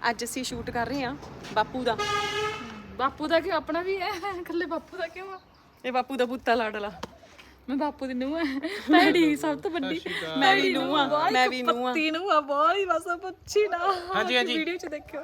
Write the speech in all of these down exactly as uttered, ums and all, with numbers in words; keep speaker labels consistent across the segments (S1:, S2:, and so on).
S1: ਅੱਜ ਅਸੀਂ ਸ਼ੂਟ ਕਰ ਰਹੇ ਹਾਂ ਬਾਪੂ ਦਾ।
S2: ਬਾਪੂ ਦਾ ਕਿਉਂ? ਆਪਣਾ ਵੀ ਹੈ ਇਕੱਲੇ ਬਾਪੂ ਦਾ ਕਿਉਂ ਆ?
S1: ਇਹ ਬਾਪੂ ਦਾ ਪੁੱਤਾ ਲਾਡਲਾ।
S2: ਮੈਂ ਬਾਪੂ ਦੀ ਨੂੰਹ ਹੈ, ਭੈੜੀ ਸਭ ਤੋਂ ਵੱਡੀ।
S1: ਮੈਂ ਵੀ ਨੂੰਹ ਆ, ਮੈਂ ਵੀ ਨੂੰਹ ਆ।
S2: ਪੱਤੀ ਨੂੰਹ ਆ, ਬਹੁਤ ਹੀ ਬਸ ਪੁੱਛੀ ਨਾ।
S3: ਹਾਂਜੀ ਹਾਂਜੀ
S2: ਵੀਡੀਓ ਚ ਦੇਖਿਓ।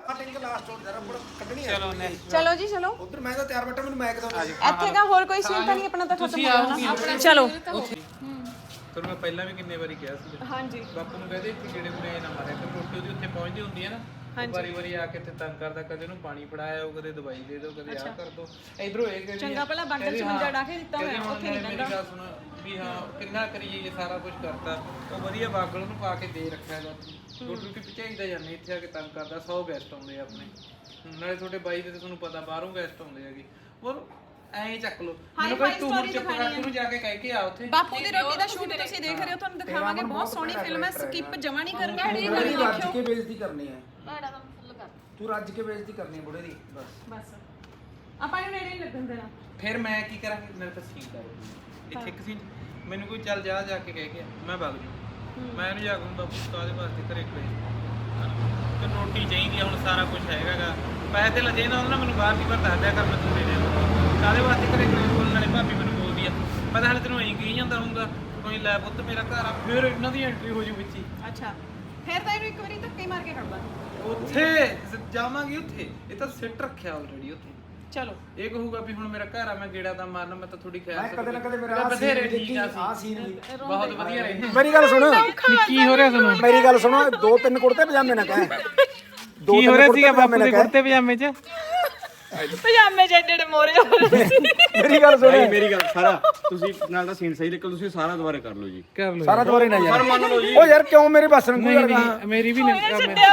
S3: ਚਲੋ ਨੇ
S1: ਚਲੋ ਜੀ ਚਲੋ।
S4: ਉਧਰ ਮੈਂ ਤਾਂ ਤਿਆਰ ਬੈਠਾ, ਮੈਨੂੰ ਮੈਕ ਦੋ।
S1: ਇੱਥੇ ਕਾ ਹੋਰ ਕੋਈ ਸੀਨ ਤਾਂ ਨਹੀਂ ਆਪਣਾ ਤਾਂ ਖਤਮ ਹੋ ਜਾਣਾ। ਚਲੋ
S3: ਤੁਹਾਨੂੰ ਮੈਂ ਪਹਿਲਾਂ ਵੀ ਕਿੰਨੇ ਵਾਰੀ ਕਿਹਾ ਸੀ
S1: ਹਾਂਜੀ
S3: ਬਾਪੂ ਨੂੰ ਕਹਦੇ ਇੱਥੇ ਜਿਹੜੇ ਮੁੰਡੇ ਨਾ ਮਾਰਿਆ ਕਰ, ਰੋਟੀ ਉਹਦੀ ਉੱਥੇ ਪਹੁੰਚਦੀ ਹੁੰਦੀ ਹੈ ਨਾ, ਵਾਰੀ ਵਾਰੀ ਆ ਕੇ ਇੱਥੇ ਤੰਗ ਕਰਦਾ, ਕਦੇ ਉਹਨੂੰ ਪਾਣੀ ਫੜਾਇਆ ਉਹ, ਕਦੇ ਦਵਾਈ ਦੇ ਦਿਓ, ਕਦੇ ਆਹ ਕਰ ਦੋ। ਇਧਰੋਂ ਇਹ ਕਹਿੰਦੀ
S1: ਚੰਗਾ ਭਲਾ ਬਾਗਲ ਚ ਮੰਜਾ ਡਾ ਕੇ ਦਿੱਤਾ ਹੋਇਆ, ਉੱਥੇ ਨਹੀਂ
S3: ਮੇਰੀ ਗੱਲ ਸੁਣ ਵੀ ਹਾਂ ਕਿੰਨਾ ਕਰੀਏ ਇਹ ਸਾਰਾ ਕੁਝ ਕਰਤਾ, ਉਹ ਵਧੀਆ ਬਾਗਲ ਉਹਨੂੰ ਪਾ ਕੇ ਦੇ ਰੱਖਿਆ ਗਾ। ਰੋਟੀ ਰੋਟੀ ਪਚਾਈਦਾ ਜਾਂਦੇ, ਇੱਥੇ ਆ ਕੇ ਤੰਗ ਕਰਦਾ। ਸੌ ਗੈਸਟ ਆਉਂਦੇ ਆ ਆਪਣੇ, ਨਾਲੇ ਤੁਹਾਡੇ ਬਾਈ ਦੇ ਤੇ ਤੁਹਾਨੂੰ ਪਤਾ ਬਾਹਰੋਂ ਗੈਸਟ ਆਉਂਦੇ ਹੈਗੇ। ਹੋਰ ਐਂ ਚੱਕ ਲੋ ਮੈਨੂੰ ਕੋਈ ਤੂੰ ਹੁਣ ਚੁੱਪ ਕਰ, ਤੂੰ ਜਾ ਕੇ ਕਹਿ ਕੇ ਆ ਉੱਥੇ।
S1: ਬਾਪੂ ਦੀ ਰੋਟੀ ਦਾ ਸ਼ੂਟ ਤੁਸੀਂ ਦੇਖ ਰਹੇ ਹੋ, ਤੁਹਾਨੂੰ ਦਿਖਾਵਾਂਗੇ। ਬਹੁਤ ਸੋਹਣੀ ਫਿਲਮ ਹੈ, ਸਕਿਪ ਜਮਾ ਨਹੀਂ ਕਰਨੀ।
S4: ਬੁੜੇ ਦੀ ਰੱਜ ਕੇ ਬੇਇੱਜ਼ਤੀ ਕਰਨੀ ਹੈ,
S2: ਭਾੜਾ ਤਾਂ ਫੁੱਲ ਕਰ।
S4: ਤੂੰ ਰੱਜ ਕੇ ਬੇਇੱਜ਼ਤੀ ਕਰਨੀ ਹੈ ਬੁੜੇ ਦੀ ਬਸ।
S1: ਬਸ ਆਪਾਂ ਨੂੰ ਨੇੜੇ ਨਹੀਂ ਲੱਗਣ ਦੇਣਾ।
S3: ਫਿਰ ਮੈਂ ਕੀ ਕਰਾਂਗੀ? ਮੇਰੇ ਤਾਂ ਸੀਨ ਕਰੋ ਇੱਥੇ ਇੱਕ ਸੀਨ ਮੈਨੂੰ ਕੋਈ ਚੱਲ ਜਾ ਜਾ ਕੇ ਕਹਿ ਕੇ ਮੈਂ ਵਗ ਜੂ, ਮੈਂ ਇਹਨੂੰ ਜਾ ਕੇ ਬਾਪੂ ਕਾਹਦੇ ਵਾਸਤੇ ਘਰੇ ਖੜੇ ਤੇ ਰੋਟੀ ਚਾਹੀਦੀ ਆ, ਹੁਣ ਸਾਰਾ ਕੁਝ ਹੈਗਾਗਾ। ਪੈਸੇ ਤੇ ਲੱਜੇ ਨਾ ਉਹਨਾਂ ਮੈਨੂੰ ਬਾਹਰ ਦੀ ਪਰ ਦੱਸ ਦਿਆ ਕਰ, ਮੈਂ ਤੂੰ ਦੇ ਦੇ ਕਾਹਦੇ ਵਾਸਤੇ ਘਰੇ ਖੜੇ ਬੋਲਣ ਵਾਲੇ। ਭਾਬੀ ਮੈਨੂੰ ਬੋਲਦੀ ਆ, ਮੈਂ ਤਾਂ ਹਾਲੇ ਤੈਨੂੰ ਐਂ ਕਹੀ ਜਾਂਦਾ ਹੁੰਦਾ ਕੋਈ ਲੈ ਪੁੱਤ ਮੇਰਾ ਘਰ ਆ, ਫਿਰ ਇਹਨਾਂ ਦੀ ਐਂਟਰੀ ਹੋ ਜੂ ਵਿੱਚ ਹੀ।
S1: ਅੱਛਾ ਫਿਰ ਤਾਂ ਇਹਨੂੰ ਇੱਕ ਵਾਰੀ ਧੱਕੇ ਮਾਰ ਕੇ ਕੱਢ ਲਾ।
S3: ਉੱਥੇ ਜਾਵਾਂਗੇ, ਉੱਥੇ ਇਹ ਤਾਂ ਸਿੱਟ ਰੱਖਿਆ ਆਲਰੇਡੀ ਉੱਥੇ।
S1: ਚਲੋ
S3: ਇਹ ਕਹੂਗਾ ਵੀ ਹੁਣ ਮੇਰਾ ਘਰ ਆ, ਮੈਂ ਗੇੜਾ ਦਾ ਮਾਰਨਾ, ਮੈਂ ਤਾਂ ਥੋੜੀ ਖਿਆਲ
S4: ਮੈਂ ਕਦੇ ਨਾ ਕਦੇ ਮੇਰਾ
S3: ਬਥੇਰੇ ਠੀਕ ਆ
S4: ਆ ਸੀਨ ਵੀ
S3: ਬਹੁਤ ਵਧੀਆ ਰਹੇ।
S4: ਮੇਰੀ ਗੱਲ ਸੁਣ,
S3: ਕੀ ਹੋ ਰਿਹਾ ਤੁਹਾਨੂੰ?
S4: ਮੇਰੀ ਗੱਲ ਸੁਣੋ, ਦੋ ਤਿੰਨ ਕੁੜਤੇ ਪਜਾਮੇ ਨਾ ਕਹਿ।
S3: ਕੀ ਹੋ ਰਿਹਾ ਸੀਗਾ ਬਾਪੂ ਦੇ ਕੁੜਤੇ ਪਜਾਮੇ 'ਚ?
S1: ਪਜਾਮੇ ਜਿਹੜੇ ਜਿਹੜੇ ਮੋਰੇ ਹੋ ਰਹੇ ਸੀ।
S4: ਮੇਰੀ ਗੱਲ ਸੁਣ,
S5: ਮੇਰੀ ਗੱਲ ਸਾਰਾ ਤੁਸੀਂ ਨਾਲ ਦਾ ਸੀਨ ਸਹੀ ਨਿਕਲ, ਤੁਸੀਂ ਸਾਰਾ ਦੁਬਾਰਾ ਕਰ ਲਓ ਜੀ।
S3: ਕਰ ਲਓ
S4: ਸਾਰਾ ਦੁਬਾਰੇ ਨਾ ਯਾਰ ਓ ਯਾਰ ਕਿਉਂ ਮੇਰੇ ਬਸ ਨੂੰ ਯਾਰ
S3: ਮੇਰੀ ਵੀ ਨਹੀਂ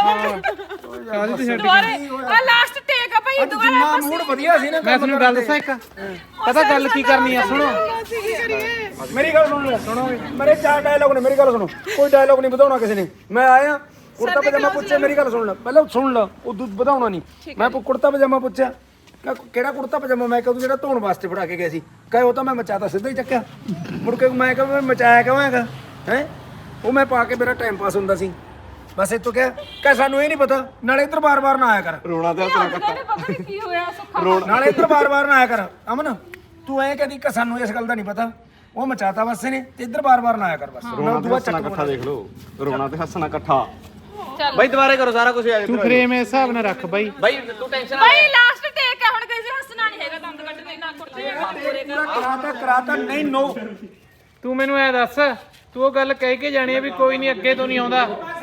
S3: ਕਾਹਦੀ ਤੇ ਛੱਡ
S1: ਦੁਬਾਰੇ ਆ ਲਾਸਟ ਟੇਕ ਆ ਭਾਈ, ਦੁਬਾਰਾ
S4: ਜਿੰਨਾ ਮੂਡ ਵਧੀਆ ਸੀ ਨਾ।
S3: ਮੈਂ ਤੁਹਾਨੂੰ ਗੱਲ ਦੱਸਾਂ ਇੱਕ, ਪਤਾ ਗੱਲ ਕੀ ਕਰਨੀ ਆ? ਸੁਣੋ
S4: ਮੇਰੀ ਗੱਲ ਸੁਣ ਲੈ, ਸੁਣੋਗੇ ਮੇਰੇ ਚਾਰ ਡਾਇਲੌਗ ਨੇ, ਮੇਰੀ ਗੱਲ ਸੁਣੋ। ਕੋਈ ਡਾਇਲੌਗ ਨਹੀਂ ਵਧਾਉਣਾ ਕਿਸੇ ਨੇ। ਮੈਂ ਆਇਆ ਕੁੜਤਾ ਪਜਾਮਾ ਪੁੱਛਿਆ, ਮੇਰੀ ਗੱਲ ਸੁਣ ਲੈ ਪਹਿਲਾਂ, ਸੁਣ ਲੈ ਉਦੋਂ ਵਧਾਉਣਾ ਨਹੀਂ। ਮੈਂ ਕੁੜਤਾ ਪਜਾਮਾ ਪੁੱਛਿਆ, ਕਿਹੜਾ ਕੁੜਤਾ ਪਜਾਮਾ? ਮੈਂ ਕਿਹਾ ਤੂੰ ਜਿਹੜਾ ਧੋਣ ਵਾਸਤੇ ਫੜਾ ਕੇ ਗਿਆ ਸੀ। ਕਹੇ ਉਹ ਤਾਂ ਮੈਂ ਮਚਾਤਾ, ਸਿੱਧਾ ਹੀ ਚੱਕਿਆ। ਮੁੜ ਕੇ ਮੈਂ ਕਿਹਾ ਮੈਂ ਮਚਾਇਆ ਕਿਉਂ ਹੈਗਾ ਹੈ? ਉਹ ਮੈਂ ਪਾ ਕੇ ਮੇਰਾ ਟਾਈਮ ਪਾਸ ਹੁੰਦਾ ਸੀ ਬਸ। ਇਹ ਤੋਂ ਕਿਹਾ ਕਿ ਸਾਨੂੰ ਇਹ ਨਹੀਂ ਪਤਾ, ਨਾਲੇ ਇੱਧਰ ਬਾਰ-ਬਾਰ ਨਾ ਆਇਆ ਕਰ।
S5: ਰੋਣਾ ਤੇ ਹੱਸਣਾ
S2: ਪਤਾ ਨਹੀਂ ਕੀ ਹੋਇਆ ਸੁੱਖਾ।
S4: ਨਾਲੇ ਇੱਧਰ ਬਾਰ-ਬਾਰ ਨਾ ਆਇਆ ਕਰ। ਅਮਨ ਤੂੰ ਐਂ ਕਹਦੀ ਕਿ ਸਾਨੂੰ ਇਸ ਗੱਲ ਦਾ ਨਹੀਂ ਪਤਾ, ਉਹ ਮਚਾਤਾ ਬਸ ਨੇ, ਤੇ ਇੱਧਰ ਬਾਰ-ਬਾਰ ਨਾ ਆਇਆ ਕਰ ਬਸ।
S5: ਰੋਣਾ ਤੇ ਹੱਸਣਾ ਇਕੱਠਾ ਦੇਖ ਲਓ, ਰੋਣਾ ਤੇ ਹੱਸਣਾ ਇਕੱਠਾ। ਬਾਈ ਦੁਬਾਰੇ ਕਰੋ ਸਾਰਾ ਕੁਝ।
S3: ਤੂੰ ਫਰੇਮ ਇਸ ਹਿਸਾਬ ਨਾਲ ਰੱਖ ਬਾਈ।
S5: ਬਾਈ ਤੂੰ ਟੈਨਸ਼ਨ
S2: ਭਾਈ ਲਾਸਟ ਟੇਕ ਆ, ਹੁਣ ਕਿਸੇ ਹੱਸਣਾ ਨਹੀਂ ਹੈਗਾ, ਦੰਦ ਕੱਢਣੇ ਨਾ ਕੁੱਤੇ
S4: ਕਰਾਤਾ ਕਰਾਤਾ ਨਹੀਂ ਨੋ।
S3: ਤੂੰ ਮੈਨੂੰ ਐ ਦੱਸ, ਤੂੰ ਉਹ ਗੱਲ ਕਹਿ ਕੇ ਜਾਣੀ ਆ ਵੀ ਕੋਈ ਨਹੀਂ ਅੱਗੇ ਤੋਂ ਨਹੀਂ ਆਉਂਦਾ,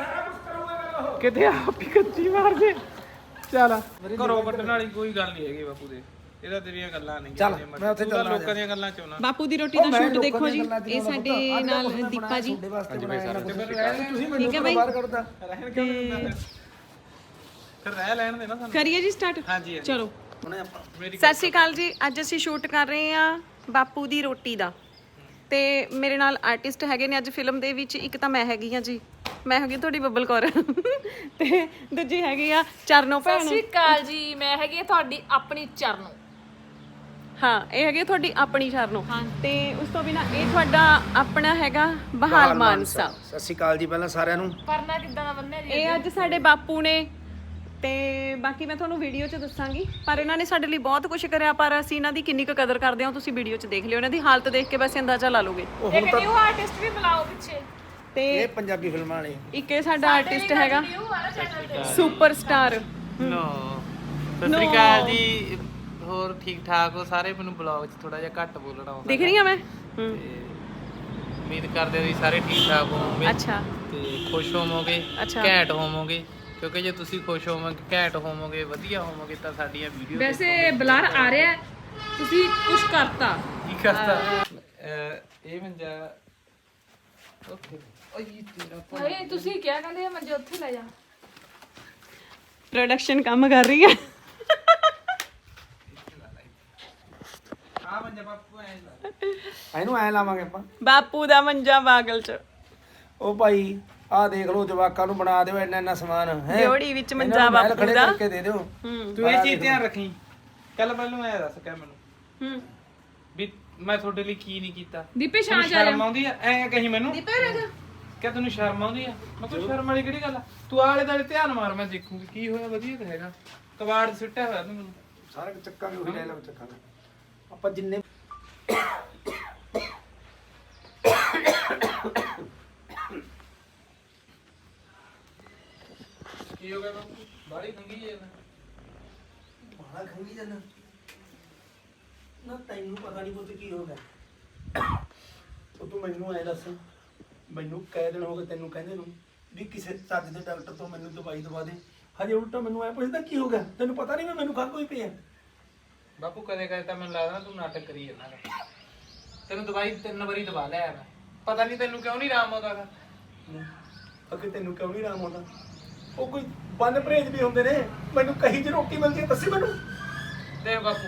S3: ਕਿਤੇ ਆਪ ਹੀ ਕੱਚੀ ਮਾਰ ਦੇ। ਚੱਲ ਘਰੋਂ ਕੱਢਣ ਵਾਲੀ ਕੋਈ ਗੱਲ ਨਹੀਂ ਹੈਗੀ ਬਾਪੂ ਦੇ, ਇਹਦਾ ਤੇਰੀਆਂ ਗੱਲਾਂ ਨਹੀਂ।
S4: ਚੱਲ ਮੈਂ ਉੱਥੇ ਚੱਲਣਾ।
S3: ਲੋਕਾਂ ਦੀਆਂ ਗੱਲਾਂ ਚੋਂ ਨਾ।
S1: ਬਾਪੂ ਦੀ ਰੋਟੀ ਦਾ ਸ਼ੂਟ ਦੇਖੋ ਜੀ, ਇਹ ਸਾਡੇ ਨਾਲ ਦੀਪਾ ਜੀ।
S4: ਠੀਕ ਹੈ ਬਾਈ, ਬਾਹਰ ਕੱਢਦਾ
S3: ਫਿਰ ਰਹਿ ਲੈਣ ਦੇ ਨਾ ਸਾਨੂੰ।
S1: ਕਰੀਏ ਜੀ ਸਟਾਰਟ।
S3: ਹਾਂਜੀ
S1: ਚਲੋ ਸਤਿ ਸ਼੍ਰੀ ਅਕਾਲ ਜੀ। ਅੱਜ ਅਸੀਂ ਸ਼ੂਟ ਕਰ ਰਹੇ ਹਾਂ ਬਾਪੂ ਦੀ ਰੋਟੀ ਦਾ, ਤੇ ਮੇਰੇ ਨਾਲ ਆਰਟਿਸਟ ਹੈਗੇ ਨੇ ਅੱਜ ਫਿਲਮ ਦੇ ਵਿੱਚ। ਇੱਕ ਤਾਂ ਮੈਂ ਹੈਗੀ ਆ ਜੀ, ਮੈਂ ਹੈਗੀ ਤੁਹਾਡੀ ਬੱਬਲ ਕੌਰ, ਤੇ ਦੂਜੀ ਹੈਗੀ ਆ ਚਰਨੋ ਭੈਣ।
S2: ਸਤਿ ਸ਼੍ਰੀ ਅਕਾਲ ਜੀ, ਮੈਂ ਹੈਗੀ ਆ ਤੁਹਾਡੀ ਆਪਣੀ ਚਰਨੋ।
S1: ਹਾਂ ਇਹ ਹੈਗੀ ਤੁਹਾਡੀ ਆਪਣੀ ਚਰਨੋ, ਤੇ ਉਸ ਤੋਂ ਬਿਨਾ ਇਹ ਤੁਹਾਡਾ ਆਪਣਾ ਹੈਗਾ ਬਹਾਲ ਮਾਨਸਾ।
S4: ਸਤਿ ਸ਼੍ਰੀ ਅਕਾਲ ਜੀ ਪਹਿਲਾਂ ਸਾਰਿਆਂ ਨੂੰ।
S2: ਪਰਨਾ ਕਿੱਦਾਂ ਦਾ ਬੰਨਿਆ ਜੀ?
S1: ਇਹ ਅੱਜ ਸਾਡੇ ਬਾਪੂ ਨੇ, ਤੇ ਬਾਕੀ ਮੈਂ ਤੁਹਾਨੂੰ ਵੀਡੀਓ 'ਚ ਦੱਸਾਂਗੀ। ਪਰ ਇਹਨਾਂ ਨੇ ਸਾਡੇ ਲਈ ਬਹੁਤ ਕੁਝ ਕਰਿਆ, ਪਰ ਅਸੀਂ ਇਹਨਾਂ ਦੀ ਕਿੰਨੀ ਕੁ ਕਦਰ ਕਰਦੇ ਹਾਂ ਤੁਸੀਂ ਵੀਡੀਓ 'ਚ ਦੇਖ ਲਿਓ। ਇਹਨਾਂ ਦੀ ਹਾਲਤ ਦੇਖ ਕੇ ਬਸ ਅੰਦਾਜ਼ਾ ਲਾ ਲੋਗੇ।
S2: ਇੱਕ ਨਿਊ ਆਰਟਿਸਟ ਵੀ ਬੁਲਾਓ ਪਿੱਛੇ।
S1: ਤੇ
S4: ਇਹ ਪੰਜਾਬੀ ਫਿਲਮਾਂ ਵਾਲੇ
S1: ਇੱਕ ਇਹ ਸਾਡਾ ਆਰਟਿਸਟ ਹੈਗਾ
S2: ਨਿਊ ਵਾਲਾ ਚੈਨਲ ਤੇ
S1: ਸੁਪਰਸਟਾਰ।
S3: ਨੋ ਸਤਿ ਸ਼੍ਰੀ ਅਕਾਲ ਜੀ, ਹੋਰ ਠੀਕ ਠਾਕ ਹੋ ਸਾਰੇ? ਮੈਨੂੰ ਬਲੌਗ 'ਚ ਥੋੜਾ ਜਿਹਾ ਘੱਟ ਬੋਲਣਾ ਆਉਂਦਾ,
S1: ਦਿਖ ਰਹੀ ਆ ਮੈਂ?
S3: ਤੇ ਉਮੀਦ ਕਰਦੇ ਹਾਂ ਵੀ ਸਾਰੇ ਠੀਕ ਠਾਕ ਹੋਵੋਗੇ
S1: ਅੱਛਾ
S3: ਤੇ ਖੁਸ਼ ਹੋਵੋਗੇ,
S1: ਅੱਛਾ।
S3: ਘੈਂਟ ਹੋਵੋਗੇ, ਕਿਉਂਕਿ ਜੇ ਤੁਸੀਂ ਖੁਸ਼ ਹੋਵੋਗੇ, ਘੈਂਟ ਹੋਵੋਗੇ, ਵਧੀਆ ਹੋਵੋਗੇ ਤਾਂ ਸਾਡੀਆਂ ਵੀਡੀਓ
S2: ਵੈਸੇ ਬਲਰ ਆ ਰਿਹਾ ਹੈ, ਤੁਸੀਂ ਕੁਝ ਕਰਤਾ।
S3: ਕੀ ਕਰਤਾ? ਇਹ ਮੰਜਾ ਓਕੇ। ਓਏ ਤੇਰਾ
S2: ਭਾਈ ਤੁਸੀਂ ਕਿਹਾ ਕਹਿੰਦੇ ਮੰਜੇ ਉੱਥੇ ਲੈ ਜਾ।
S1: ਪ੍ਰੋਡਕਸ਼ਨ ਕੰਮ ਕਰ ਰਹੀ ਹੈ।
S3: ਆ ਮੰਜਾ ਬਾਪੂ ਐ ਲਾ
S4: ਇਹਨੂੰ ਐ ਲਾਵਾਂਗੇ ਆਪਾਂ।
S1: ਬਾਪੂ ਦਾ ਮੰਜਾ ਬਾਗਲ 'ਚ।
S4: ਉਹ ਭਾਈ ਆਹ ਦੇਖ ਲਓ, ਜਵਾਕਾਂ ਨੂੰ ਬਣਾ ਦਿਓ ਇੰਨਾ ਇੰਨਾ ਸਮਾਨ ਹੈ।
S1: ਦਿਓੜੀ ਵਿੱਚ ਮੰਜਾ ਬਾਪੂ
S4: ਖੜੇ
S1: ਦਾ।
S4: ਕਰਕੇ ਦੇ ਦਿਓ।
S1: ਹੂੰ
S3: ਤੂੰ ਇਹ ਚੀਜ਼ ਧਿਆਨ ਰੱਖੀ। ਕੱਲ ਮੈਨੂੰ ਐ ਦੱਸ ਕਹਿ ਮੈਨੂੰ
S1: ਹੂੰ
S3: ਵੀ ਮੈਂ ਤੁਹਾਡੇ ਲਈ ਕੀ ਨਹੀਂ ਕੀਤਾ।
S2: ਦੀਪੇ ਛਾਂ ਜਾ
S3: ਸ਼ਰਮ ਆਉਂਦੀ ਐ ਐ ਕਹੀ ਮੈਨੂੰ?
S1: ਦੀਪੇ ਰਹਿ ਜਾ।
S3: ਕਿਆ ਤੈਨੂੰ ਸ਼ਰਮ ਆਉਂਦੀ ਆ? ਮੈਂ ਕੋਈ ਸ਼ਰਮ ਵਾਲੀ ਕਿਹੜੀ ਗੱਲ ਆ? ਤੂੰ ਆਲੇ ਦਾਲੇ ਧਿਆਨ ਮਾਰ, ਮੈਂ ਦੇਖੂਗੀ ਕੀ ਹੋਇਆ। ਵਧੀਆ ਤਾਂ ਹੈਗਾ, ਕਬਾੜ ਸੁੱਟਿਆ ਹੋਇਆ ਤੂੰ ਮੈਨੂੰ।
S4: ਸਾਰਾ ਚੱਕਾਂਗੇ ਉਹੀ ਲੈ ਲਓ, ਚੱਕਾਂਗੇ ਆਪਾਂ ਜਿੰਨੇ
S3: ਕੀ ਹੋ ਗਿਆ ਬਾਪੂ? ਬਾੜੀ ਖੰਗੀ ਜੇ ਨਾ
S4: ਬਾਹਲਾ ਖੰਗੀ ਜਾਂਦਾ ਨਾ, ਤੈਨੂੰ ਪਤਾ ਨਹੀਂ ਪੁੱਤ ਕੀ ਹੋ ਗਿਆ। ਉਹ ਤੂੰ ਮੈਨੂੰ ਐ ਦੱਸ, ਮੈਨੂੰ ਕਈ ਦਿਨ ਹੋ ਗਏ ਤੈਨੂੰ ਕਹਿੰਦੇ ਨੂੰ ਵੀ ਕਿਸੇ ਚੱਜ ਦੇ ਡਾਕਟਰ ਤੋਂ ਮੈਨੂੰ ਦਵਾਈ ਦਵਾ ਦੇ, ਹਜੇ ਉਲਟਾ ਮੈਨੂੰ ਐ ਪੁੱਛਦਾ ਕੀ ਹੋ ਗਿਆ? ਤੈਨੂੰ ਪਤਾ ਨਹੀਂ ਵੀ ਮੈਨੂੰ ਖੰਘ ਹੋਈ ਪਈ ਆ।
S3: ਬਾਪੂ ਕਦੇ ਕਦੇ ਤਾਂ ਮੈਨੂੰ ਲੱਗਦਾ ਤੂੰ ਨਾਟਕ ਕਰੀ ਜਾਂਦਾ ਗਾ। ਤੈਨੂੰ ਦਵਾਈ ਤਿੰਨ ਵਾਰੀ ਦਵਾ ਲਿਆ ਮੈਂ, ਪਤਾ ਨਹੀਂ ਤੈਨੂੰ ਕਿਉਂ ਨਹੀਂ ਆਰਾਮ ਆਉਂਦਾ ਗਾ।
S4: ਅੱਗੇ ਤੈਨੂੰ ਕਿਉਂ ਨਹੀਂ ਆਰਾਮ ਆਉਂਦਾ? ਉਹ ਕੋਈ ਬੰਦ ਪਰਹੇਜ ਵੀ ਹੁੰਦੇ ਨੇ, ਮੈਨੂੰ ਕਹੀ ਚ ਰੋਟੀ ਮਿਲਦੀ ਹੈ ਦੱਸੀ ਮੈਨੂੰ।
S3: ਦੇਖ ਬਾਪੂ,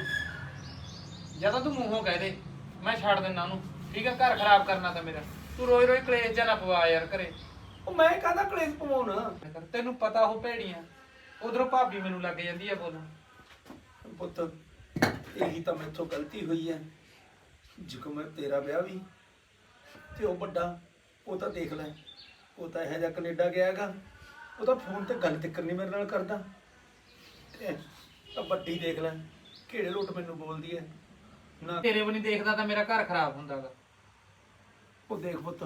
S3: ਜਾਂ ਤਾਂ ਤੂੰ ਮੂੰਹੋਂ ਕਹਿ ਦੇ ਮੈਂ ਛੱਡ ਦਿੰਦਾ ਉਹਨੂੰ, ਠੀਕ ਆ? ਘਰ ਖਰਾਬ ਕਰਨਾ ਤਾਂ ਮੇਰਾ। ਤੂੰ ਰੋਜ਼ ਰੋਜ਼ ਕਲੇਸ਼ ਜਾਂ ਨਾ ਪਵਾ ਯਾਰ ਘਰੇ।
S4: ਉਹ ਮੈਂ ਕਾਹਦਾ ਕਲੇਸ਼ ਪਵਾਉਣਾ?
S3: ਤੈਨੂੰ ਪਤਾ ਉਹ ਭੇੜੀਆਂ, ਉਧਰੋਂ ਭਾਬੀ ਮੈਨੂੰ ਲੱਗ ਜਾਂਦੀ ਆ ਬੋਲਣ।
S4: ਪੁੱਤ ਇਹੀ ਤਾਂ ਮੈਥੋਂ ਗਲਤੀ ਹੋਈ ਹੈ। ਜਿਕੋ ਮੈਂ ਤੇਰਾ ਵਿਆਹ ਵੀ ਤੇ ਉਹ ਵੱਡਾ, ਉਹ ਤਾਂ ਦੇਖ ਲੈ, ਉਹ ਤਾਂ ਇਹੋ ਜਿਹਾ ਕੈਨੇਡਾ ਗਿਆ ਹੈਗਾ, ਉਹ ਤਾਂ ਫੋਨ ਤੇ ਗੱਲ ਤੱਕ ਨਹੀਂ ਮੇਰੇ ਨਾਲ ਕਰਦਾ। ਤੇ ਤਾਂ ਵੱਡੀ ਦੇਖ ਲੈ ਕਿਹੜੇ ਲੋਟ ਮੈਨੂੰ ਬੋਲਦੀ ਹੈ ਨਾ।
S3: ਤੇਰੇ ਵੀ ਨਹੀਂ ਦੇਖਦਾ ਤਾਂ ਮੇਰਾ ਘਰ ਖਰਾਬ ਹੁੰਦਾ ਗਾ।
S4: ਉਹ ਦੇਖ ਪੁੱਤ,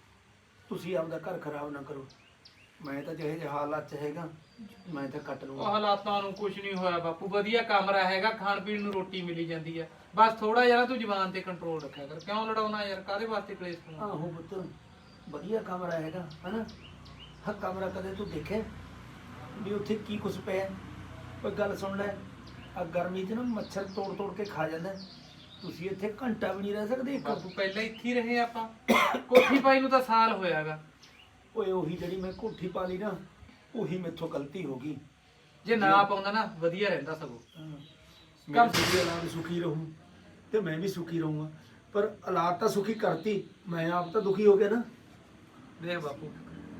S4: ਤੁਸੀਂ ਆਪਦਾ ਘਰ ਖਰਾਬ ਨਾ ਕਰੋ। ਮੈਂ ਤਾਂ ਜਿਹੇ ਜਿਹੇ ਹਾਲਾਤ ਚ ਹੈਗਾ, ਮੈਂ ਤਾਂ ਕੱਟ
S3: ਉਹ
S4: ਲੂੰਗਾ।
S3: ਹਾਲਾਤਾਂ ਨੂੰ ਕੁਝ ਨਹੀਂ ਹੋਇਆ ਬਾਪੂ, ਵਧੀਆ ਕਮਰਾ ਹੈਗਾ, ਖਾਣ ਪੀਣ ਨੂੰ ਰੋਟੀ ਮਿਲੀ ਜਾਂਦੀ ਆ। ਬਸ ਥੋੜਾ ਜਿਹਾ ਤੂੰ ਜ਼ੁਬਾਨ ਤੇ ਕੰਟਰੋਲ ਰੱਖਿਆ ਕਰ। ਕਿਉਂ ਲੜਾਉਣਾ ਯਾਰ? ਕਾਹਦੇ ਵਾਸਤੇ ਕਲੇਸ਼ ਪਾਉਣਾ?
S4: ਆਹੋ ਪੁੱਤ, ਵਧੀਆ ਕਮਰਾ ਹੈਗਾ ਹਨਾ। ਹਾਂ ਕਮਰਾ ਕਦੇ ਤੂੰ ਦੇਖਿਆ ਵੀ ਉੱਥੇ ਕੀ ਕੁਛ ਪਿਆ? ਕੋਈ ਗੱਲ ਸੁਣ ਲੈ, ਆ ਗਰਮੀ 'ਚ ਨਾ ਮੱਛਰ ਤੋੜ ਤੋੜ ਕੇ ਖਾ ਜਾਂਦਾ। ਤੁਸੀਂ ਇੱਥੇ ਘੰਟਾ ਵੀ ਨਹੀਂ ਰਹਿ ਸਕਦੇ ਇੱਕ।
S3: ਬਾਪੂ ਪਹਿਲਾਂ ਇੱਥੇ ਹੀ ਰਹੇ ਆਪਾਂ, ਕੋਠੀ ਪਾਈ ਨੂੰ ਤਾਂ ਸਾਲ ਹੋਇਆਗਾ।
S4: ਓਏ ਉਹੀ ਜਿਹੜੀ ਮੈਂ ਕੋਠੀ ਪਾ ਲਈ ਨਾ, ਉਹੀ ਮੈਥੋਂ ਗਲਤੀ ਹੋ ਗਈ।
S3: ਜੇ ਨਾ ਪਾਉਂਦਾ ਨਾ ਵਧੀਆ ਰਹਿੰਦਾ ਸਗੋਂ।
S4: ਕੰਮ ਸੁਖੀ ਔਲਾਦ ਸੁਖੀ ਰਹੂੰ ਤੇ ਮੈਂ ਵੀ ਸੁਖੀ ਰਹੂੰਗਾ, ਪਰ ਔਲਾਦ ਤਾਂ ਸੁਖੀ ਕਰਤੀ, ਮੈਂ ਆਪ ਤਾਂ ਦੁਖੀ ਹੋ ਗਿਆ ਨਾ।
S3: ਦੇਖ ਬਾਪੂ,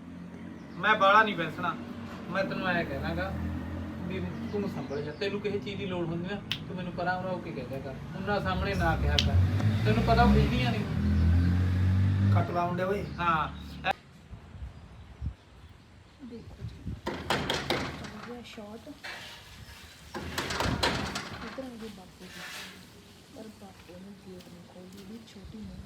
S3: ਮੈਂ ਬਾਹਲਾ ਨਹੀਂ ਬੈਸਣਾ, ਮੈਂ ਤੈਨੂੰ ਐ ਕਹਿਣਾਗਾ ਵੀ ਤੂੰ ਸੰਭਲ ਜਾ। ਤੈਨੂੰ ਕਿਸੇ ਚੀਜ਼ ਦੀ ਲੋੜ ਹੁੰਦੀ ਨਾ, ਤੂੰ ਮੈਨੂੰ ਪਰਾਂ ਉਰਾ ਹੋ ਕੇ ਕਹਿ ਦਿਆ ਕਰ, ਉਹਨਾਂ ਸਾਹਮਣੇ ਨਾ ਕਿਹਾ ਕਰ। ਤੈਨੂੰ ਪਤਾ ਉਹ ਖਿੱਚਦੀਆਂ ਨਹੀਂ।
S4: ਕੱਟ ਲਾਉਂਦੇ ਓਏ।
S3: ਹਾਂ
S2: ਸ਼ਾਰਟ ਇਧਰ ਆਗੇ ਬਾਪੂ ਦੀ, ਪਰ ਬਾਪੂ ਨੇ ਗੇਟ ਨਹੀਂ ਖੋਲੀ ਵੀ ਛੋਟੀ ਨਹੀਂ।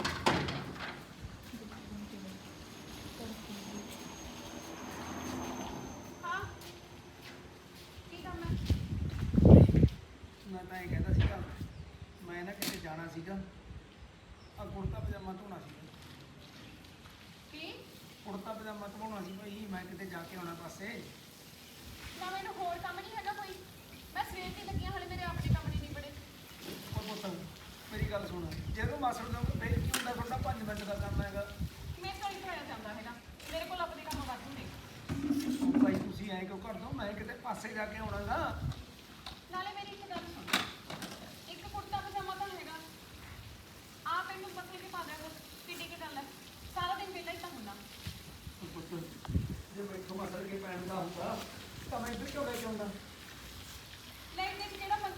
S1: ਹਾਂ ਕੀ ਕੰਮ ਹੈ?
S4: ਮੈਂ ਤਾਂ ਇਹ ਕਹਿੰਦਾ ਸੀਗਾ, ਮੈਂ ਨਾ ਕਿਤੇ ਜਾਣਾ ਸੀਗਾ, ਆ ਕੁੜਤਾ ਪਜਾਮਾ ਧੋਣਾ ਸੀਗਾ।
S1: ਕੀ
S4: ਕੁੜਤਾ ਪਜਾਮਾ ਧੋਣਾ ਸੀ ਭਾਈ, ਮੈਂ ਕਿਤੇ ਜਾ ਕੇ ਆਉਣਾ ਪਾਸੇ।
S1: ਨਾ ਮੈਨੂੰ ਹੋਰ ਕੰਮ ਨਹੀਂ ਹੈਗਾ ਕੋਈ, ਮੈਂ ਸਵੇਰ ਦੀ ਲੱਗੀ ਹਾਂ, ਹਲੇ ਮੇਰੇ ਆਪਣੇ ਕੰਮ ਨਹੀਂ ਨਿਬੜੇ।
S4: ਉਹ ਪੁੱਤ ਮੇਰੀ ਗੱਲ ਸੁਣ, ਜੇ ਤੂੰ ਮਾਸੜ ਦਾ ਫੇਰ ਕੀ ਹੁੰਦਾ? ਤੁਹਾਡਾ ਪੰਜ ਮਿੰਟ ਦਾ ਕੰਮ ਹੈਗਾ।
S1: ਮੇਰੇ ਤੋਂ ਨਹੀਂ ਹੋਇਆ ਜਾਂਦਾ ਹੈਗਾ, ਮੇਰੇ ਕੋਲ ਆਪਣੇ ਕੰਮ ਵਾਧੂ ਨੇ।
S4: ਭਾਈ ਤੁਸੀਂ ਐਂ ਕਿਉਂ ਕਰ ਦੋ? ਮੈਂ ਕਿਤੇ ਪਾਸੇ ਜਾ ਕੇ ਆਉਣਾਗਾ।
S1: ਨਾਲੇ ਮੇਰੀ ਇੱਕ ਗੱਲ ਸੁਣ, ਇੱਕ ਕੁੜਤਾ ਪਜਾਮਾ ਤਾਂ ਹੈਗਾ, ਆਪ ਇਹਨੂੰ ਪੱਥੇ ਤੇ ਪਾ ਦਿਆ ਕਰੋ, ਕਿੱਡੀ ਕੀ ਗੱਲ ਹੈ? ਸਾਰਾ ਦਿਨ ਵਿਹਲਾ ਹੀ ਤਾਂ ਹੁੰਦਾ।
S4: ਪੁੱਤ ਜੇ ਮੈਥੋਂ ਮਾਸੜ ਕੇ ਪੈਣ ਦਾ ਹੁੰਦਾ ਤਾਂ ਮੈਂ ਇੱਧਰ ਕਿਉਂ ਲੈ ਕੇ ਆਉਂਦਾ?
S1: ਲੈ ਦੇ ਜਿਹੜਾ ਮਨ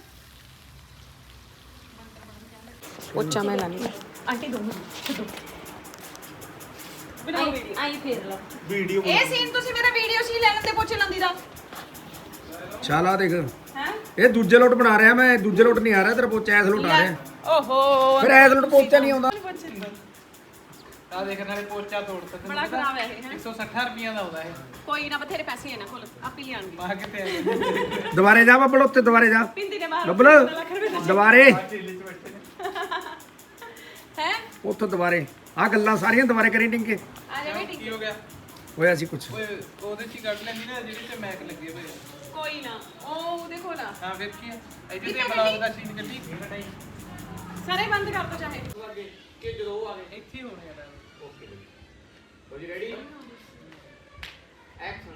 S1: ਪੋਚਾ ਮੈਂ ਲਾਣੀ। ਆਂਟੀ ਦੋ ਛੱਡੋ,
S2: ਆਈ ਫੇਰ ਲਾ
S4: ਵੀਡੀਓ
S1: ਇਹ ਸੀਨ ਤੁਸੀਂ ਮੇਰਾ ਵੀਡੀਓ ਸੀ ਲੈਣ ਤੇ ਪੋਚੇ ਲਾਂਦੀ ਦਾ।
S4: ਚੱਲ ਆ ਦੇਖ,
S1: ਹੈ
S4: ਇਹ ਦੂਜੇ ਲੋਟ ਬਣਾ ਰਿਹਾ ਮੈਂ, ਦੂਜੇ ਲੋਟ ਨਹੀਂ ਆ ਰਿਹਾ ਤੇਰਾ ਪੋਚਾ, ਐਸ ਲੋਟ ਆ ਰਿਹਾ।
S1: ਓਹੋ
S4: ਫਿਰ ਐਸ ਲੋਟ ਪੋਚਾ ਨਹੀਂ ਆਉਂਦਾ।
S3: ਆ ਦੇਖ ਨਾਲੇ ਪੋਚਾ ਤੋੜਤਾ ਤੈਨੂੰ
S1: ਬੜਾ
S3: ਪਤਾ?
S1: ਖਰਾਬ ਹੈ ਇਹ, ਹੈਂ?
S3: ਇੱਕ ਸੌ ਸੱਠ ਰੁਪਈਆ ਦਾ ਆਉਂਦਾ ਇਹ।
S1: ਕੋਈ ਨਾ, ਬਥੇਰੇ ਪੈਸੇ ਇਹਨਾਂ ਕੋਲ, ਆਪੇ ਲਿਆਣਗੇ।
S3: ਮਾਂ ਕਿਤੇ ਆ ਗਈ।
S4: ਦੁਬਾਰੇ ਜਾ ਬੱਬਲ, ਉੱਥੇ ਦੁਬਾਰੇ ਜਾ
S1: ਪਿੰਦੀ ਨੇ ਮਾਰ
S4: ਬੱਬਲ, ਦੁਬਾਰੇ
S1: ਹੈ।
S4: ਉੱਥੋਂ ਦੁਬਾਰੇ ਆ ਗੱਲਾਂ ਸਾਰੀਆਂ ਦੁਬਾਰੇ ਕਰੀ ਟਿੰਕੇ।
S1: ਆ ਜਾ ਬੇਟੀ,
S3: ਕੀ ਹੋ ਗਿਆ?
S4: ਹੋਇਆ ਸੀ ਕੁਛ।
S3: ਓਏ ਉਹਦੇ ਚ ਹੀ ਕੱਢ ਲੈਂਦੀ ਨਾ ਜਿਹੜੇ ਤੇ ਮੈਕ ਲੱਗੇ ਹੋਏ ਆ।
S1: ਕੋਈ ਨਾ, ਉਹ ਉਹਦੇ ਕੋਲ ਆ।
S3: ਹਾਂ ਫਿਰ ਕੀ ਹੈ? ਇਹਦੇ ਤੇ ਬਲੌਗ ਦਾ ਸੀਨ ਕੱਢੀ ਕਟਾਈ
S1: ਸਾਰੇ ਬੰਦ ਕਰ ਦੋ ਚਾਹੇ।
S3: ਕਿ ਜਦੋਂ ਉਹ ਆ ਗਏ ਇੱਥੇ ਹੀ ਹੋਣੇ ਆ। ਓਕੇ ਹੋ ਜੀ ਰੈਡੀ? ਐਕਸ਼ਨ।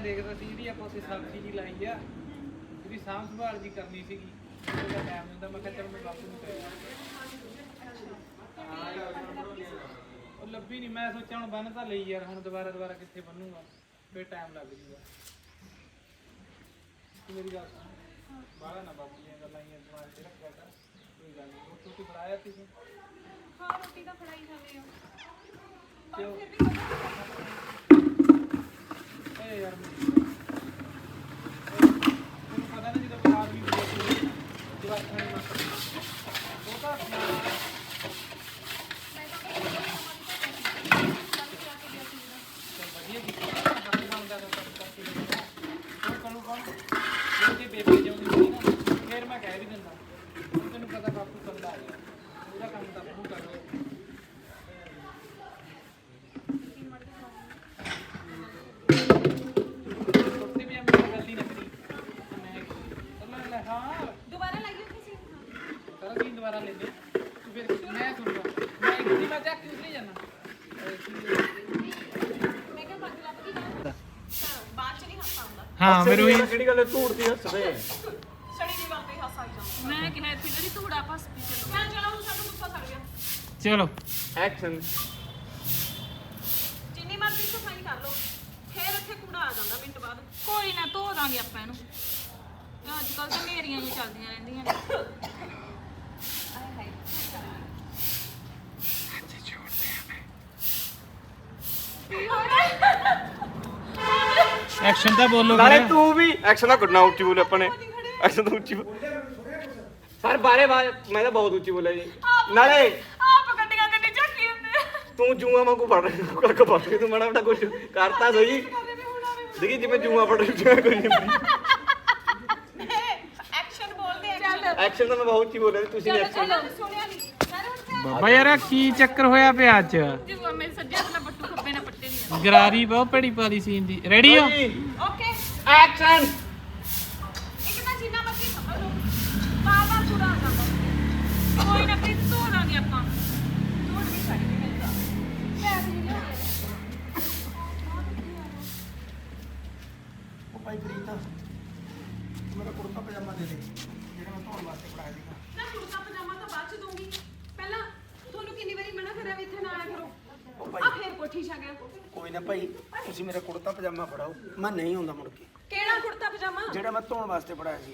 S3: ਦੇਖਦਾ ਸੀ ਜਿਹੜੀ ਆਪਾਂ ਉੱਥੇ ਸਬਜ਼ੀ ਜੀ ਲਾਈ ਆ ਉਹਦੀ ਸਾਂਭ ਸੰਭਾਲ ਜੀ ਕਰਨੀ ਸੀਗੀ ਉਹਦਾ ਟਾਈਮ ਹੁੰਦਾ ਮੈਂ ਕਿਹਾ ਚੱਲ ਮੈਂ ਬਾਪੂ ਨੂੰ ਕਹਿਆ ਉਹ ਲੱਭੀ ਨਹੀਂ ਮੈਂ ਸੋਚਿਆ ਹੁਣ ਬੰਨ ਤਾਂ ਲਈ ਯਾਰ ਹੁਣ ਦੁਬਾਰਾ ਦੁਬਾਰਾ ਕਿੱਥੇ ਬੰਨੂਗਾ ਫੇਰ ਟਾਈਮ ਲੱਗ ਜੂਗਾ ਤੂੰ ਮੇਰੀ ਗੱਲ ਸੁਣ ਬਾਹਲਾ ਨਾ ਬਾਪੂ ਦੀਆਂ ਗੱਲਾਂ ਹੀ ਦਿਮਾਗ 'ਚ ਰੱਖਿਆ ਕਰ ਕੋਈ ਗੱਲ ਨਹੀਂ ਰੋਟੀ ਰੋਟੀ ਬਣਾਇਆ ਤੁਸੀਂ
S1: ਹਾਂ ਰੋਟੀ ਤਾਂ ਫੜਾਈ ਜਾਂਦੇ ਆ
S3: ਕਿਉਂ ਏ ਯਾਰ ਮੈਨੂੰ ਪਤਾ ਨਹੀਂ ਜਦੋਂ ਬਾਹਰ ਵੀ ਬੁਲਾਉਂਦੇ ਜਵਾਕਾਂ ਨੂੰ ਉਹ ਤਾਂ ਵਧੀਆ ਕੀਤਾ ਹੱਥ ਬਣਦਾ ਤਾਂ ਕਰਕੇ ਹੋਰ ਕੌਣ ਕੌਣ ਜੇ ਬੇਬੇ ਜਾਉਂਦੀ ਸੀ ਨਾ ਫਿਰ ਮੈਂ ਕਹਿ ਵੀ ਦਿੰਦਾ ਤੈਨੂੰ ਪਤਾ ਬਾਪੂ ਕੱਲਾ ਆ ਗਿਆ ਉਹਦਾ ਕੰਮ ਤਾਂ ਬਾਪੂ ਕਰ ਰਿਹਾ ਕੁੱਤੇ ਵੀ ਮੇਰੀ ਗੱਲ ਹੀ ਨਾ ਕਰੀ ਮੈਂ ਚੱਲ ਲੈ ਹਾਂ
S1: ਦੁਬਾਰਾ ਲਾਈਓ ਕਿਸੇ
S3: ਸਾਰਾ ਦਿਨ ਦੁਬਾਰਾ ਲੈ ਲੈ ਤੂੰ ਫਿਰ ਮੈਂ ਸੁਣਦਾ ਮੈਂ ਇੱਕ ਦਿਨ ਮੈਂ ਚੱਕ ਕਿਉਂ ਨਹੀਂ ਜਾਣਾ
S1: ਮੈਂ ਕਿਹਾ ਪੱਗ ਲੱਭ ਗਈ ਨਾ ਬਾਅਦ ਚ ਨਹੀਂ ਹੱਸ ਆਉਂਦਾ
S3: ਹਾਂ ਫਿਰ ਉਹੀ
S5: ਕਿਹੜੀ ਗੱਲ ਧੂੜਦੀ ਹੱਸਦੇ
S1: ਸੜੀ ਦੀ ਗੱਲ ਤੇ ਹੱਸ ਆਈ ਜਾਂਦਾ
S2: ਮੈਂ ਕਿਹਾ ਇੱਥੇ ਜਿਹੜੀ ਧੂੜਾ ਫਸ ਪਈ ਚਲੋ
S1: ਮੈਂ ਚਲੋ ਹੁਣ ਸਾਨੂੰ ਗੁੱਸਾ ਕਰ ਗਿਆ
S3: ਚਲੋ
S5: ਐਕਸ਼ਨ
S1: ਜਿੰਨੀ ਮਰਜ਼ੀ ਸਫਾਈ ਕਰ ਲਓ ਫੇਰ ਇੱਥੇ ਕੂੜਾ ਆ ਜਾਂਦਾ ਮਿੰਟ ਬਾਅਦ
S2: ਕੋਈ ਨਾ ਧੋ ਦਾਂਗੇ ਆਪਾਂ ਇਹਨੂੰ ਅੱਜ ਕੱਲ ਤਾਂ ਮੇਰੀਆਂ ਹੀ ਚੱਲਦੀਆਂ ਰਹਿੰਦੀਆਂ ਨੇ
S1: ਆਏ ਹਾਏ
S3: ਐਕਸ਼ਨ ਤਾਂ ਬੋਲੋ
S5: ਨਾਲੇ ਤੂੰ ਵੀ ਐਕਸ਼ਨ ਦਾ ਗੁੱਡਨਾ ਉੱਚੀ ਬੋਲੇ ਆਪਾਂ ਨੇ ਐਕਸ਼ਨ ਤਾਂ ਉੱਚੀ ਸਰ ਬਾਰੇ ਬਾਰੇ ਮੈਂ ਤਾਂ ਬਹੁਤ ਉੱਚੀ ਬੋਲਿਆ ਜੀ ਨਾਲੇ
S2: ਆਪ ਗੱਡੀਆਂ ਗੱਡੀ ਚੱਕੀ ਹੁੰਦੇ
S5: ਤੂੰ ਜੂਆ ਵਾਂਗੂ ਪੜ ਕਰਕੇ ਪੜ ਕੇ ਤੂੰ ਮਾੜਾ ਮੋਟਾ ਕੁਝ ਕਰਤਾ ਸਹੀ ਦੇਖੀ ਜਿਵੇਂ ਜੂਆ ਪੜ ਰਿਹਾ ਕੋਈ ਨਹੀਂ
S1: ਐਕਸ਼ਨ ਬੋਲਦੇ ਐਕਸ਼ਨ
S5: ਐਕਸ਼ਨ ਤਾਂ ਮੈਂ ਬਹੁਤ ਉੱਚੀ ਬੋਲਿਆ ਤੁਸੀਂ ਐਕਸ਼ਨ
S1: ਸੁਣਿਆ ਨਹੀਂ ਸਾਰੇ ਹੁਣ
S3: ਬਾਬਾ ਯਾਰ ਕੀ ਚੱਕਰ ਹੋਇਆ ਪਿਆ ਅੱਜ
S2: ਜੀ ਮੇਰੇ ਸੱਜੇ ਹੱਥ ਨਾਲ ਬੱਟੂ ਖੱਬੇ ਨਾਲ ਪੱਟੇ ਨਹੀਂ
S3: ਗਰਾਰੀ ਬਹੁਤ ਭੜੀ ਪਾਲੀ ਸੀਨ ਦੀ ਰੈਡੀ ਹੋ
S1: ਓਕੇ
S5: ਐਕਸ਼ਨ
S1: ਇੱਕ ਤਾਂ ਜਿੰਨਾ ਮਰਜ਼ੀ ਸਮਝ ਲਓ ਬਾਰ ਬਾਰ ਕੂੜਾ ਆ ਜਾਂਦਾ
S2: ਕੋਈ ਨਾ ਫਿਰ ਧੋ ਦਾਂਗੇ ਆਪਾਂ
S1: ਝੂਠ ਵੀ ਛੱਡ ਕੇ ਮਿਲਦਾ ਪੈਸੇ ਨਹੀਂ ਲਿਆਉਂਦੇ
S4: ਉਹ ਭਾਈ ਪ੍ਰੀਤ ਮੇਰਾ ਕੁੜਤਾ ਪਜਾਮਾ ਦੇ ਦੇ ਜਿਹੜਾ ਮੈਂ ਧੋਣ ਵਾਸਤੇ ਬਣਾਇਆ ਸੀਗਾ
S1: ਨਾ ਕੁੜਤਾ ਪਜਾਮਾ ਤਾਂ ਬਾਅਦ ਚ ਦੂੰਗੀ ਪਹਿਲਾਂ ਤੁਹਾਨੂੰ ਕਿੰਨੀ ਵਾਰੀ ਮਨਾ ਕਰਿਆ ਵੀ ਇੱਥੇ ਨਾ ਆਇਆ ਕਰੋ
S4: ਉਹ
S1: ਆ
S4: ਭਾਈ
S1: ਫੇਰ ਕੋਠੀ ਛਾ ਗਿਆ
S4: ਕੋਈ ਨਾ ਭਾਈ ਤੁਸੀਂ ਮੇਰਾ ਕੁੜਤਾ ਪਜਾਮਾ ਫੜਾਓ ਮੈਂ ਨਹੀਂ ਆਉਂਦਾ ਮੁੜ ਕੇ
S1: ਕਿਹੜਾ ਕੁੜਤਾ ਪਜਾਮਾ
S4: ਜਿਹੜਾ ਮੈਂ ਧੋਣ ਵਾਸਤੇ ਬਣਾਇਆ ਸੀ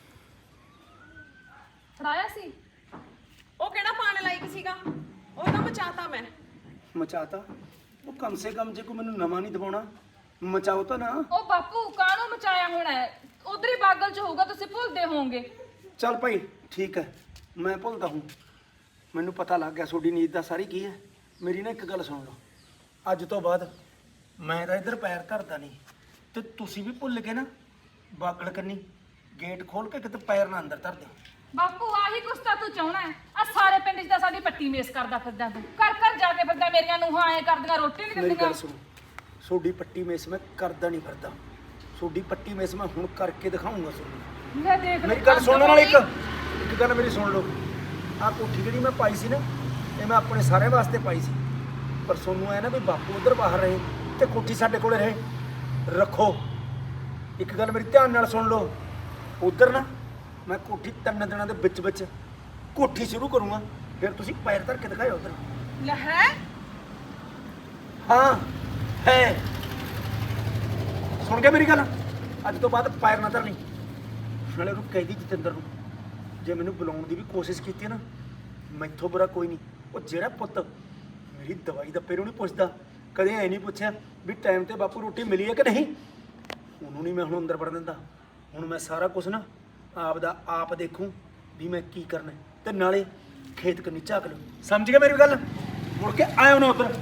S2: ਫੜਾਇਆ ਸੀ
S1: ਉਹ ਕਿਹੜਾ ਪਾਣ ਲਾਇਕ ਸੀਗਾ ਉਹ ਤਾਂ ਮਚਾਤਾ ਮੈਂ
S4: ਮਚਾਤਾ ਉਹ ਕਮ ਸੇ ਕਮ ਜੇ ਕੋਈ ਮੈਨੂੰ ਨਵਾਂ ਨਹੀਂ ਦਵਾਉਣਾ ਮਚਾਓ ਤਾਂ ਨਾ
S2: ਉਹ ਬਾਪੂ ਕਾਹਨੂੰ ਮਚਾਇਆ ਹੋਣਾ ਹੈ ਉਧਰ ਹੀ ਬਾਗਲ ਚ ਹੋਊਗਾ ਤੁਸੀਂ ਭੁੱਲਦੇ ਹੋਵੋਗੇ
S4: ਚੱਲ ਭਾਈ ਠੀਕ ਹੈ ਮੈਂ ਭੁੱਲਦਾ ਹੂੰ ਮੈਨੂੰ ਪਤਾ ਲੱਗ ਗਿਆ ਤੁਹਾਡੀ ਨੀਤ ਦਾ ਸਾਰੀ ਕੀ ਹੈ ਮੇਰੀ ਨਾ ਇੱਕ ਗੱਲ ਸੁਣ ਲਓ ਅੱਜ ਤੋਂ ਬਾਅਦ ਮੈਂ ਤਾਂ ਇੱਧਰ ਪੈਰ ਧਰਦਾ ਨਹੀਂ ਤੇ ਤੁਸੀਂ ਵੀ ਭੁੱਲ ਕੇ ਨਾ ਬਾਗਲ ਕੰਨੀ ਗੇਟ ਖੋਲ ਕੇ ਕਿਤੇ ਪੈਰ ਨਾ ਅੰਦਰ ਧਰ ਦਿਓ
S2: ਬਾਪੂ ਆਹੀ ਕੁਛ ਤਾਂ ਤੂੰ ਚਾਹਣਾ ਹੈ ਆ ਸਾਰੇ ਪਿੰਡ 'ਚ ਤਾਂ ਸਾਡੀ ਪੱਟੀ ਮੇਸ ਕਰਦਾ ਫਿਰਦਾ ਤੂੰ ਘਰ ਘਰ ਜਾ ਕੇ ਫਿਰਦਾ ਮੇਰੀਆਂ ਨੂੰਹਾਂ ਐ ਕਰਦੀਆਂ ਰੋਟੀ ਨਹੀਂ
S4: ਮੇਰੀ
S2: ਦਿੰਦੀਆਂ
S4: ਗੱਲ ਸੁਣੋ ਤੁਹਾਡੀ ਪੱਟੀ ਮੇਸ ਮੈਂ ਕਰਦਾ ਨਹੀਂ ਫਿਰਦਾ ਤੁਹਾਡੀ ਪੱਟੀ ਮੇਸ ਮੈਂ ਹੁਣ ਕਰਕੇ ਦਿਖਾਉਂਗਾ ਤੁਹਾਨੂੰ
S2: ਲੈ ਦੇਖ
S4: ਮੇਰੀ ਗੱਲ ਸੁਣਨ ਨਾਲ ਇੱਕ ਇੱਕ ਗੱਲ ਮੇਰੀ ਸੁਣ ਲਓ ਆਹ ਕੋਠੀ ਜਿਹੜੀ ਮੈਂ ਪਾਈ ਸੀ ਨਾ ਇਹ ਮੈਂ ਆਪਣੇ ਸਾਰਿਆਂ ਵਾਸਤੇ ਪਾਈ ਸੀ ਪਰ ਸੋਨੂੰ ਐ ਨਾ ਵੀ ਬਾਪੂ ਉਧਰ ਬਾਹਰ ਰਹੇ ਤੇ ਕੋਠੀ ਸਾਡੇ ਕੋਲੇ ਰਹੇ ਰੱਖੋ ਇੱਕ ਗੱਲ ਮੇਰੀ ਧਿਆਨ ਨਾਲ ਸੁਣ ਲਓ ਉਧਰ ਨਾ ਮੈਂ ਕੋਠੀ ਤਿੰਨ ਦਿਨਾਂ ਦੇ ਵਿੱਚ ਵਿੱਚ ਕੋਠੀ ਸ਼ੁਰੂ ਕਰੂੰਗਾ ਫਿਰ ਤੁਸੀਂ ਪੈਰ ਧਰ ਕੇ ਦਿਖਾਇਓ ਉਧਰ
S1: ਲੈ ਹੈ
S4: ਹਾਂ ਹੈ ਸੁਣ ਗਿਆ ਮੇਰੀ ਗੱਲ ਅੱਜ ਤੋਂ ਬਾਅਦ ਪੈਰ ਨਾ ਧਰਨੀ ਨਾਲੇ ਉਹਨੂੰ ਕਹਿ ਦੀ ਜਤਿੰਦਰ ਨੂੰ ਜੇ ਮੈਨੂੰ ਬੁਲਾਉਣ ਦੀ ਵੀ ਕੋਸ਼ਿਸ਼ ਕੀਤੀ ਨਾ ਮੈਥੋਂ ਬੁਰਾ ਕੋਈ ਨਹੀਂ ਉਹ ਜਿਹੜਾ ਪੁੱਤ ਮੇਰੀ ਦਵਾਈ ਦੱਪੇ ਨੂੰ ਨਹੀਂ ਪੁੱਛਦਾ ਕਦੇ ਐ ਨਹੀਂ ਪੁੱਛਿਆ ਵੀ ਟਾਈਮ ਤੇ ਬਾਪੂ ਰੋਟੀ ਮਿਲੀ ਹੈ ਕਿ ਨਹੀਂ ਉਹਨੂੰ ਨਹੀਂ ਮੈਂ ਹੁਣ ਅੰਦਰ ਵੜਨ ਦਿੰਦਾ ਹੁਣ ਮੈਂ ਸਾਰਾ ਕੁਝ ਨਾ ਆਪ ਦਾ ਆਪ ਦੇਖੂੰ ਵੀ ਮੈਂ ਕੀ ਕਰਨਾ ਤੇ ਨਾਲੇ ਖੇਤ ਕੰਨੀ ਝਾਕ ਲਓ ਸਮਝ ਗਿਆ ਮੇਰੀ ਗੱਲ ਮੁੜ ਕੇ ਆਇਓ ਨਾ ਉੱਧਰ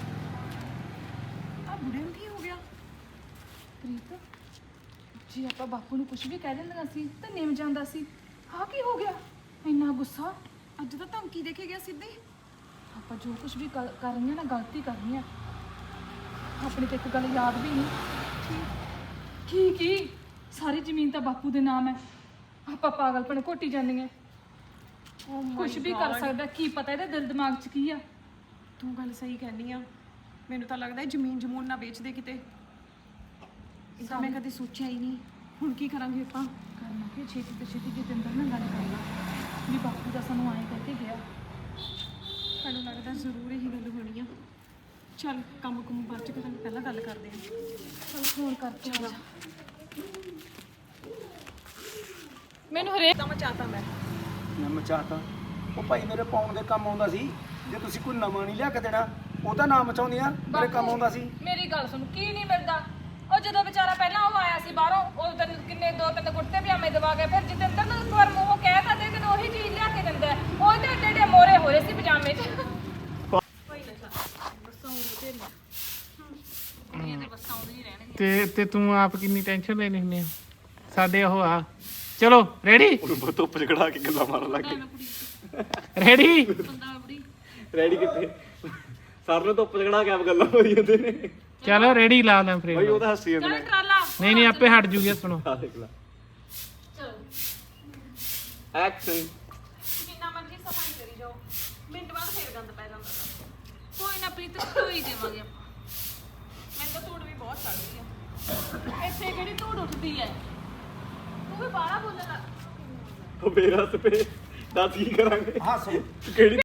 S1: ਆ ਬੁੜੇ ਨੂੰ ਕੀ ਹੋ ਗਿਆ
S2: ਪ੍ਰੀਤ ਜੀ ਆਪਾਂ ਬਾਪੂ ਨੂੰ ਕੁਝ ਵੀ ਕਹਿ ਦਿੰਦਾ ਸੀ ਤਾਂ ਨਿਮ ਜਾਂਦਾ ਸੀ ਆਹ ਕੀ ਹੋ ਗਿਆ ਇੰਨਾ ਗੁੱਸਾ
S1: ਅੱਜ ਤਾਂ ਧਮਕੀ ਦੇ ਕੇ ਗਿਆ ਸਿੱਧੀ
S2: ਆਪਾਂ ਜੋ ਕੁਝ ਵੀ ਕਰ ਕਰ ਰਹੀਆਂ ਨਾ ਗਲਤੀ ਕਰ ਰਹੀਆਂ ਆਪਣੀ ਤੇ ਇੱਕ ਗੱਲ ਯਾਦ ਵੀ ਨਹੀਂ ਕੀ ਕੀ ਸਾਰੀ ਜ਼ਮੀਨ ਤਾਂ ਬਾਪੂ ਦੇ ਨਾਮ ਹੈ ਆਪਾਂ ਪਾਗਲਪਣ ਘੋਟੀ ਜਾਂਦੀਆਂ ਕੁਝ ਵੀ ਕਰ ਸਕਦਾ ਕੀ ਪਤਾ ਇਹਦੇ ਦਿਲ ਦਿਮਾਗ 'ਚ ਕੀ ਆ
S1: ਤੂੰ ਗੱਲ ਸਹੀ ਕਹਿੰਦੀ ਆ ਮੈਨੂੰ ਤਾਂ ਲੱਗਦਾ ਹੈ ਜ਼ਮੀਨ ਜਮੂਨ ਨਾ ਵੇਚ ਦੇ ਕਿਤੇ ਇਹ ਤਾਂ ਮੈਂ ਕਦੇ ਸੋਚਿਆ ਹੀ ਨਹੀਂ। ਹੁਣ ਕੀ ਕਰਾਂਗੇ ਆਪਾਂ?
S2: ਕਰਨਾ ਕਿ ਛੇਤੀ ਤੋਂ ਛੇਤੀ ਜਤਿੰਦਰ ਨਾਲ ਗੱਲ ਕਰ ਲਾ ਵੀ ਬਾਪੂ ਦਾ ਸਾਨੂੰ ਆਏ ਕਰਕੇ ਗਿਆ।
S1: ਮੈਨੂੰ ਲੱਗਦਾ ਜ਼ਰੂਰ ਇਹੀ ਗੱਲ ਹੋਣੀ ਆ। ਚੱਲ ਕੰਮ ਕੁਮ ਬਾਅਦ ਚ ਕਰਾਂਗੇ, ਪਹਿਲਾਂ ਗੱਲ ਕਰਦੇ ਹਾਂ।
S2: ਚਲ ਫੋਨ ਕਰ ਚਲਾ ਮੈਨੂੰ ਹਰੇਕ
S1: ਤਾਂ ਮਚਾਤਾ ਮੈਂ।
S4: ਮੈਂ ਮਚਾਤਾ ਉਹ ਭਾਈ ਮੇਰੇ ਪਾਉਣ ਦੇ ਕੰਮ ਆਉਂਦਾ ਸੀ। ਜੇ ਤੁਸੀਂ ਕੋਈ ਨਵਾਂ ਨਹੀਂ ਲਿਆ ਕੇ ਦੇਣਾ ਉਹ ਤਾਂ ਨਾ ਮਚਾਉਂਦੀਆਂ, ਮੇਰੇ ਕੰਮ ਆਉਂਦਾ ਸੀ।
S2: ਮੇਰੀ ਗੱਲ ਸੁਣ, ਕੀ ਨਹੀਂ ਮਿਲਦਾ? ਉਹ ਜਦੋਂ ਵਿਚਾਰਾ ਪਹਿਲਾਂ ਉਹ ਆਇਆ ਸੀ ਬਾਹਰੋਂ, ਉਹ ਤੈਨੂੰ ਕਿੰਨੇ ਦੋ ਤਿੰਨ ਕੁੜਤੇ ਪਜਾਮੇ ਦਵਾ ਕੇ, ਫਿਰ ਜਤਿੰਦਰ ਨੂੰ ਇੱਕ ਵਾਰ ਮੂੰਹੋਂ ਕਹਿ ਤਾ ਤੇ ਤੈਨੂੰ ਉਹੀ ਚੀਜ਼ ਲਿਆ ਕੇ ਦਿੰਦਾ ਹੈ। ਉਹ ਤੇ ਏਡੇ ਏਡੇ ਮੋਰੇ ਹੋਏ ਸੀ ਪਜਾਮੇ 'ਚ।
S3: ਤੇ ਤੇ ਤੂੰ ਆਪ ਕਿੰਨੀ ਟੈਨਸ਼ਨ ਲੈਣੀ ਹੁੰਦੀ ਆ ਸਾਡੇ ਉਹ ਆ। ਚਲੋ ਰੈਡੀ
S5: ਉਹਨੂੰ ਧੁੱਪ ਚ ਖੜਾ ਕੇ ਗੱਲਾਂ ਮਾਰਨ ਲੱਗ ਗਏ।
S3: ਰੈਡੀ
S5: ਰੈਡੀ ਕਿੱਥੇ? ਸਰ ਨੂੰ ਧੁੱਪ ਚ ਖੜਾ ਕੇ ਆਪ ਗੱਲਾਂ ਮਾਰੀ ਜਾਂਦੇ ਨੇ।
S3: ਚਲੋ ਰੈਡੀ ਲਾ ਲਾਂ
S5: ਭਾਈ
S3: ਫਰੇਮ।
S5: ਉਹ ਤਾਂ ਹੱਸੀ ਜਾਂਦੇ ਨੇ।
S2: ਟਰਾਲਾ
S3: ਨਹੀਂ ਨਹੀਂ ਆਪੇ ਹਟ ਜੂਗੀ। ਸੁਣੋ
S5: ਆ ਦੇਖ ਲੈ ਐਕਸ਼ਨ।
S1: ਜਿੰਨਾ ਮਰਜ਼ੀ ਸਫਾਈ ਕਰੀ ਜਾਓ, ਮਿੰਟ ਬਾਅਦ ਫੇਰ ਗੰਦ ਪੈ ਜਾਂਦਾ।
S2: ਕੋਈ ਨਾ ਪ੍ਰੀਤ, ਧੋਈ ਦੇਵਾਂਗੇ ਆਪਾਂ।
S1: ਮੈਨੂੰ ਤਾਂ ਧੂੜ ਵੀ ਬਹੁਤ ਚੜ੍ਹਦੀ ਆ।
S2: ਇੱਥੇ ਕਿਹੜੀ ਧੂੜ ਉੱਠਦੀ ਹੈ? ਤੂੰ ਵੀ ਬਾਹਲਾ ਬੋਲਣ ਲੱਗ।
S5: ਉਹ ਬੇਰਸ ਪੇ ਦੱਸ ਕੀ ਕਰਾਂਗੇ?
S4: ਹੱਸ
S5: ਕਿਹੜੀ